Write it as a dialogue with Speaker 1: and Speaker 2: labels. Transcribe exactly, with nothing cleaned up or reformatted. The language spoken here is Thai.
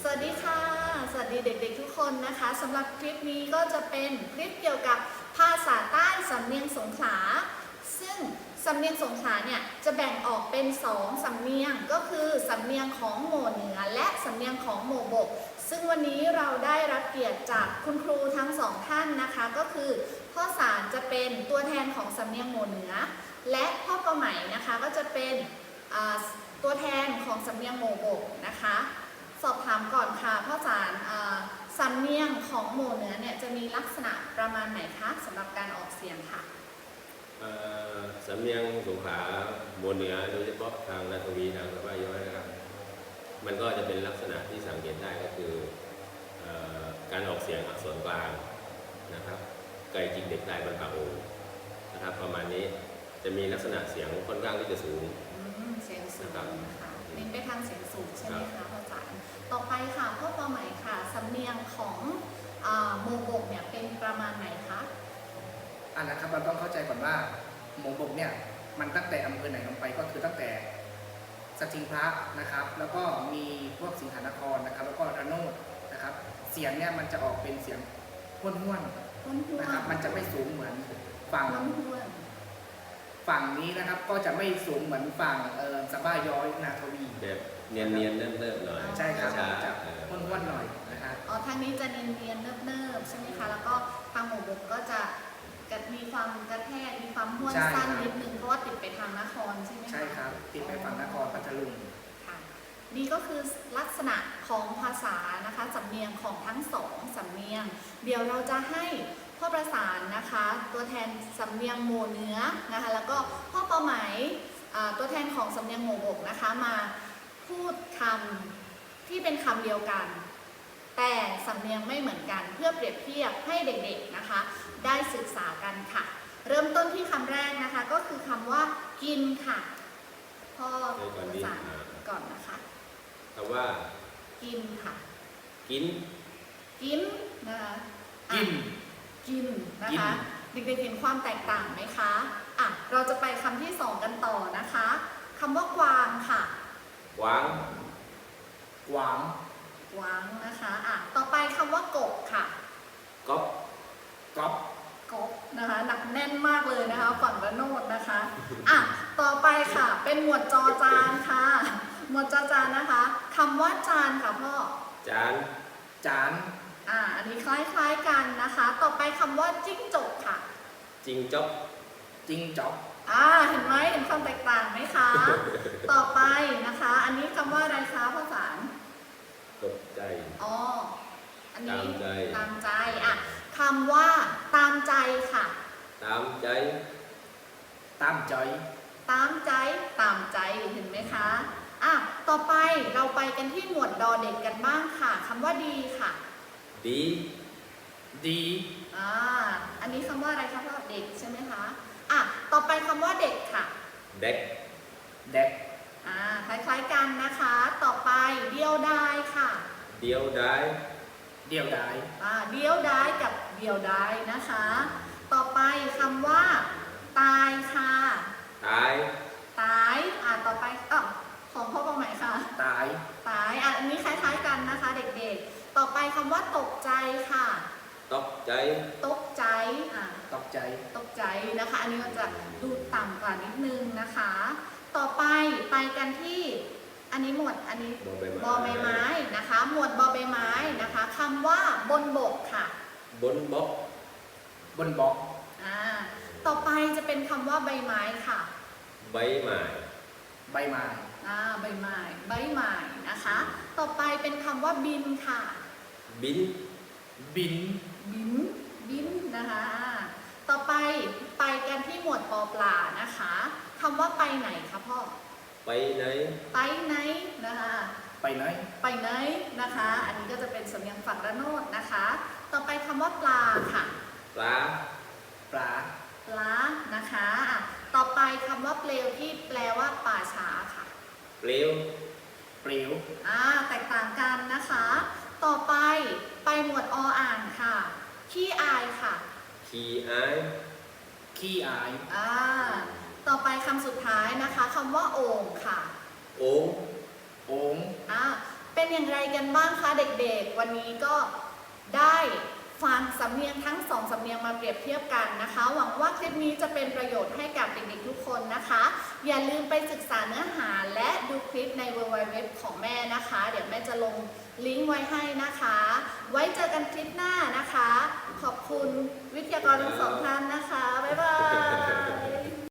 Speaker 1: สวัสดีค่ะสวัสดีเด็กๆทุกคนนะคะสำหรับคลิปนี้ก็จะเป็นคลิปเกี่ยวกับภาษาใต้สำเนียงสงขลาซึ่งสำเนียงสงขลาเนี่ยจะแบ่งออกเป็นสองสำเนียงก็คือสำเนียงของหมู่เหนือและสำเนียงของหมู่บกซึ่งวันนี้เราได้รับเกียรติจากคุณครูทั้งสองท่านนะคะก็คือพ่อสารจะเป็นตัวแทนของสำเนียงหมู่เหนือและพ่อประไหมนะคะก็จะเป็นตัวแทนของสำเนียงหมู่บกนะคะสอบถามก่อนค่ะพ่อสารสำเนียงของหมู่เหนือเนี่ยจะมีลักษณะประมาณไหนคะสำหรับการออกเสียงค่ะ
Speaker 2: สำเนียงสงขลาหมู่เหนือโดยเฉพาะทางนาทวีทางสะบ้าย้อยนะครับมันก็จะเป็นลักษณะที่สังเกตได้ก็คือการออกเสียงอักษรกลางนะครับไกลจริงเด็กได้บรรพโอนะครับประมาณนี้จะมีลักษณะเสียงค่อนข้างที่จะสูง
Speaker 1: เสียงสูงนะคะเน้นไปทางเสียงสูงใช่ไหมคะพ่อจ๋าต่อไปค่ะพ่อปอใหม่ค่ะสำเนียงของหมู่บกเนี่ยเป็นประมาณไหนคะ
Speaker 3: อ่านะครับเราต้องเข้าใจก่อนว่าหมู่บกเนี่ยมันตั้งแต่อำเภอไหนลงไปก็คือตั้งแต่สถิงพระนะครับแล้วก็มีพวกสิงหนครนะครับแล้วก็ระโนดนะครับเสียงเนี่ยมันจะออกเป็นเสียงห้วนห้วนนะครับมันจะไม่สูงเหมือนฝั่งฝั่งนี้นะครับก็จะไม่สูงเหมือนฝั่งสะบ้าย้อยนาทวี
Speaker 2: แบบเนียนเนียนเนิ่มๆหน่อย
Speaker 3: ใช่ครับจะห้วนห้วนหน่อยนะครับ
Speaker 1: อ๋อทางนี้จะเนียนเนียนเนิ่มๆใช่ไหมคะแล้วก็ทางหมู่บกก็จะมีความกระแทกมีความห้วนสั้นนิดนึงเพราะว่าติดไปทางนครใช่ไหมคะ
Speaker 3: ใช่ครับติดไปฝั่งนครพัทลุง
Speaker 1: ค่ะนี่ก็คือลักษณะของภาษานะคะสำเนียงของทั้งสองสำเนียงเดี๋ยวเราจะให้พ่อประสานนะคะตัวแทนสำเนียงหมู่เหนือนะคะแล้วก็พ่อเป้าหมายตัวแทนของสำเนียงหมู่บกนะคะมาพูดคำที่เป็นคำเดียวกันแต่สำเนียงไม่เหมือนกันเพื่อเปรียบเทียบให้เด็กๆนะคะได้ศึกษากันค่ะเริ่มต้นที่คำแรกนะคะก็คือคำว่ากินค่ะพ่อประสานก่อนนะคะ
Speaker 2: คำว่า
Speaker 1: กินค่ะ
Speaker 2: กิน
Speaker 1: กินนะคะ
Speaker 3: กิน
Speaker 1: กินนะคะเด็กๆเห็นความแตกต่างไหมคะอ่ะเราจะไปคำที่สองกันต่อนะคะคำว่ากวางค่ะ
Speaker 2: กวาง
Speaker 3: กวาง
Speaker 1: กวางนะคะอ่ะต่อไปคำว่ากบค่ะ
Speaker 2: กบ
Speaker 3: กบ
Speaker 1: กบนะคะหนักแน่นมากเลยนะคะฝั่งระโนดนะคะอ่ะต่อไปค่ะเป็นหมวดจอจานค่ะหมวดจอจานนะคะคำว่าจานค่ะพ่อ
Speaker 2: จาน
Speaker 3: จาน
Speaker 1: อ่าอันนี้คล้ายๆกันนะคะต่อไปคำว่าจิ้งจกค่ะ
Speaker 2: จิ้งจก
Speaker 3: จิ้งจก
Speaker 1: อ่าเห็นไหมเห็นความแตกต่างไหมคะต่อไปนะคะอันนี้คำว่าอะไรคะภาษา
Speaker 2: ตกใจ
Speaker 1: อ๋ออันนี้
Speaker 2: ตามใจ
Speaker 1: ตามใจอ่ะคำว่าตามใจค่ะ
Speaker 2: ตามใจ
Speaker 3: ตามใจ
Speaker 1: ตามใจตามใจเห็นไหมคะอ่ะต่อไปเราไปกันที่หมวดดอเด็กกันบ้างค่ะคำว่าดีค่ะ
Speaker 2: ดี
Speaker 3: ดี
Speaker 1: อ่าอันนี้คำว่าอะไรคะพ่อเด็กใช่ไหมคะอ่ะต่อไปคำว่าเด็กค่ะ
Speaker 2: เด็ก
Speaker 3: เด็ก
Speaker 1: อ่าคล้ายๆกันนะคะต่อไปเดียวดายค่ะ
Speaker 2: เดียวดาย
Speaker 3: เดียวดาย
Speaker 1: อ่าเดียวดายกับเดียวดายนะคะต่อไปคำว่าตายค่ะ
Speaker 2: ตาย
Speaker 1: ตายอ่าต่อไปอ่ะของพ่อประไหมค่ะ
Speaker 3: ตาย
Speaker 1: ตายอ่ะอันนี้คล้ายๆกันนะคะเด็กๆต่อไปคำว่าตกใจค่ะ
Speaker 2: ตกใจ
Speaker 1: ตกใจอ่ะ
Speaker 3: ตกใจ
Speaker 1: ตกใจนะคะอันนี้มันจะดูต่ำกว่านิดนึงนะคะต่อไปไปกันที่อันนี้หมวดอันนี้บอใบไม้นะคะหมวดบอใบไม้นะคะคำว่าบนบกค่ะ
Speaker 2: บนบก
Speaker 3: บนบก
Speaker 1: อ่าต่อไปจะเป็นคำว่าใบไม้ค่ะ
Speaker 2: ใบไม้
Speaker 3: ใบไม้
Speaker 1: อ่าใบไม้ใบไม้นะคะต่อไปเป็นคำว่าบินค่ะ
Speaker 2: บิน
Speaker 3: บิน
Speaker 1: บินบินนะคะต่อไปไปกันที่หมวดปอปลานะคะคำว่าไปไหนคะพ่อ
Speaker 2: ไปไหน
Speaker 1: ไปไหนนะคะ
Speaker 3: ไปไหน
Speaker 1: ไปไหนนะคะอันนี้ก็จะเป็นสำเนียงฝั่งระโนดนะคะต่อไปคำว่าปลาค่ะ
Speaker 2: ปลา
Speaker 3: ปลา
Speaker 1: ปลานะคะต่อไปคำว่าเปลวที่แปลว่าป่าช้าค่ะ
Speaker 2: เปลว
Speaker 3: เปลว
Speaker 1: อ่าแตกต่างกันนะคะต่อไปไปหมวดออ่างค่ะขี้อายค่ะ
Speaker 2: ขี้อาย
Speaker 3: ขี้อาย
Speaker 1: อ่าต่อไปคำสุดท้ายนะคะคำว่าโอ่งค่ะ
Speaker 2: โอ่ง
Speaker 3: โอ่ง
Speaker 1: อ่าเป็นอย่างไรกันบ้างคะเด็กๆ วันนี้ก็ได้ฟังสำเนียงทั้งสองสำเนียงมาเปรียบเทียบกันนะคะ หวังว่าคลิปนี้จะเป็นประโยชน์ให้กับเด็กๆทุกคนนะคะ อย่าลืมไปศึกษาเนื้อหาและดูคลิปใน ดับเบิลยู ดับเบิลยู ดับเบิลยู ของแม่นะคะ เดี๋ยวแม่จะลงลิงก์ไว้ให้นะคะ ไว้เจอกันคลิปหน้านะคะ ขอบคุณวิทยากรทั้งสองท่านนะคะ บ๊ายบาย